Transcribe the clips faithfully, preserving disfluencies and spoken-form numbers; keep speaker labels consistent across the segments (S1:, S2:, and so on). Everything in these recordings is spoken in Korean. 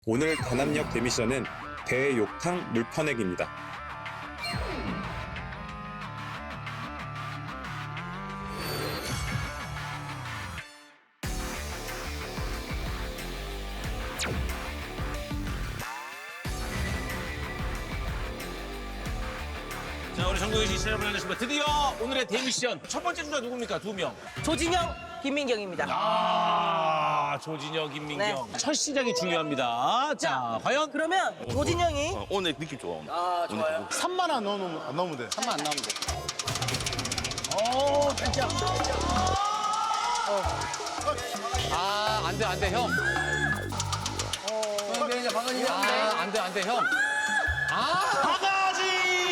S1: 오늘 단합력 대미션은 대욕탕 물퍼내기입니다.
S2: 자, 우리 전국의 시청자 여러분 안녕하십니까. 드디어 오늘의 대미션 첫 번째 주자 누굽니까? 두 명.
S3: 조진영, 김민경입니다.
S2: 아, 조진혁, 김민경.
S3: 네.
S2: 첫 시작이 중요합니다. 자, 과연?
S3: 그러면 조진영이
S4: 어, 오늘 느낌 좋아. 오늘.
S3: 아 좋아요.
S5: 삼만 안 넣으면 안 넣으면 돼.
S3: 삼만 안 나오면 돼.
S2: 오, 진짜.
S6: 아, 안 돼, 안 돼, 형. 어, 이제 방언이 아, 안 돼, 안 돼, 형.
S2: 바가지!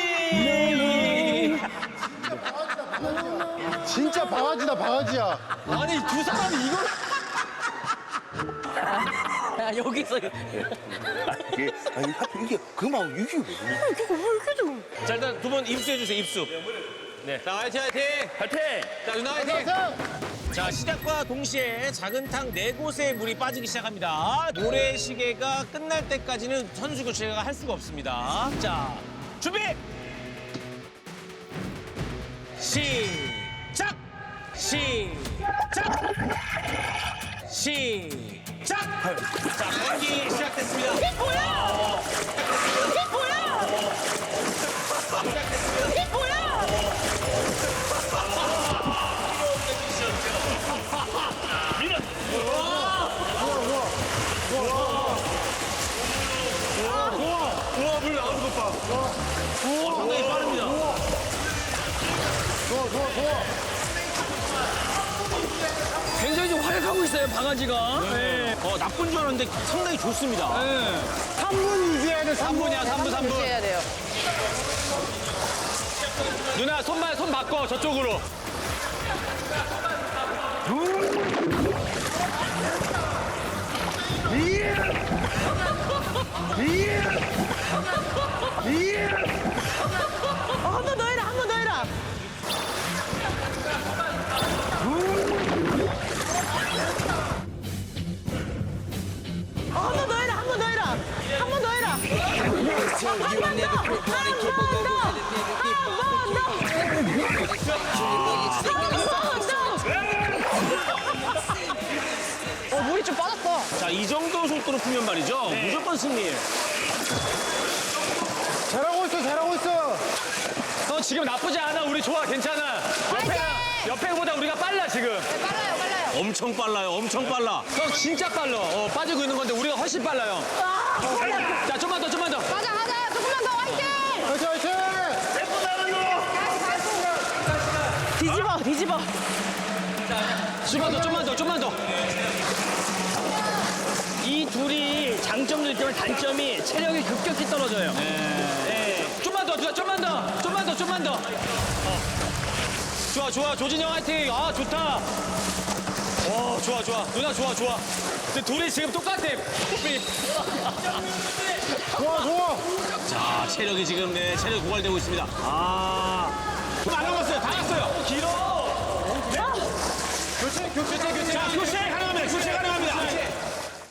S5: 진짜 바가지다 바가지야.
S6: 아니, 두 사람이 이걸.
S3: 야, 여기서
S4: 이게 아니 하필 이게 그만 이게 왜?
S2: 자, 일단 두 분 입수해주세요, 입수. 네. 자, 화이팅, 화이팅! 화이팅! 자, 누나 화이팅! 자, 시작과 동시에 작은 탕 네 곳에 물이 빠지기 시작합니다. 모래시계가 끝날 때까지는 선수 교체가 할 수가 없습니다. 자, 준비! 시작! 시작! 시작! 자, 경기 시작됐습니다.
S3: 이게 뭐야? 이게 뭐야? 이게 뭐야?
S2: 우와, 물 나오는 것 봐. 우와, 상당히 빠릅니다.
S5: 좋아 좋아 좋아.
S6: 굉장히 좀 활약하고 있어요, 바가지가.
S2: 네. 어, 나쁜 줄 알았는데 상당히 좋습니다.
S5: 삼 분 유지해야 돼. 삼 분.
S2: 삼 분이야, 삼 분, 삼 분.
S3: 해야 돼요.
S6: 누나, 손만, 손 바꿔, 저쪽으로.
S3: 어, 한 번 더 해라, 한 번 더 해라. 어, 한 번 더 해라, 한 번 더 해라. 한 번 더 해라. 한 번 더. 한 번 더. 어, 물이 좀 빠졌어.
S2: 자, 이 정도 속도로 풀면 말이죠. 무조건 승리예요.
S5: 잘하고 있어 잘하고 있어.
S6: 형, 지금 나쁘지 않아. 우리 좋아, 괜찮아. 옆에, 옆에보다 우리가 빨라, 지금.
S3: 빨라요, 빨라요.
S2: 엄청 빨라요, 엄청 빨라.
S6: 형, 진짜 빨라. 어, 빠지고 있는 건데 우리가 훨씬 빨라요. 자, 좀만 더, 좀만 더.
S3: 가자, 가자. 조금만 더 화이팅!
S5: 화이팅 화이팅.
S3: 뒤집어, 뒤집어.
S6: 좀만 더, 좀만 더, 좀만 더. 이 둘이 장점도 있지만 단점이 체력이 급격히 떨어져요. 네. 좀만 더, 누나, 좀만 더, 좀만 더, 좀만 더. 어. 좋아, 좋아, 조진영 화이팅. 아, 좋다. 어, 좋아, 좋아. 누나 좋아, 좋아. 근데 둘이 지금 똑같아. 호흡이.
S5: 좋아 좋아.
S2: 자, 체력이 지금, 네, 체력이 고갈되고 있습니다. 아. 안 남았어요, 다 났어요.
S6: 길어.
S2: 교체, 교체, 교체. 자, 교체 가능합니다, 교체 가능합니다.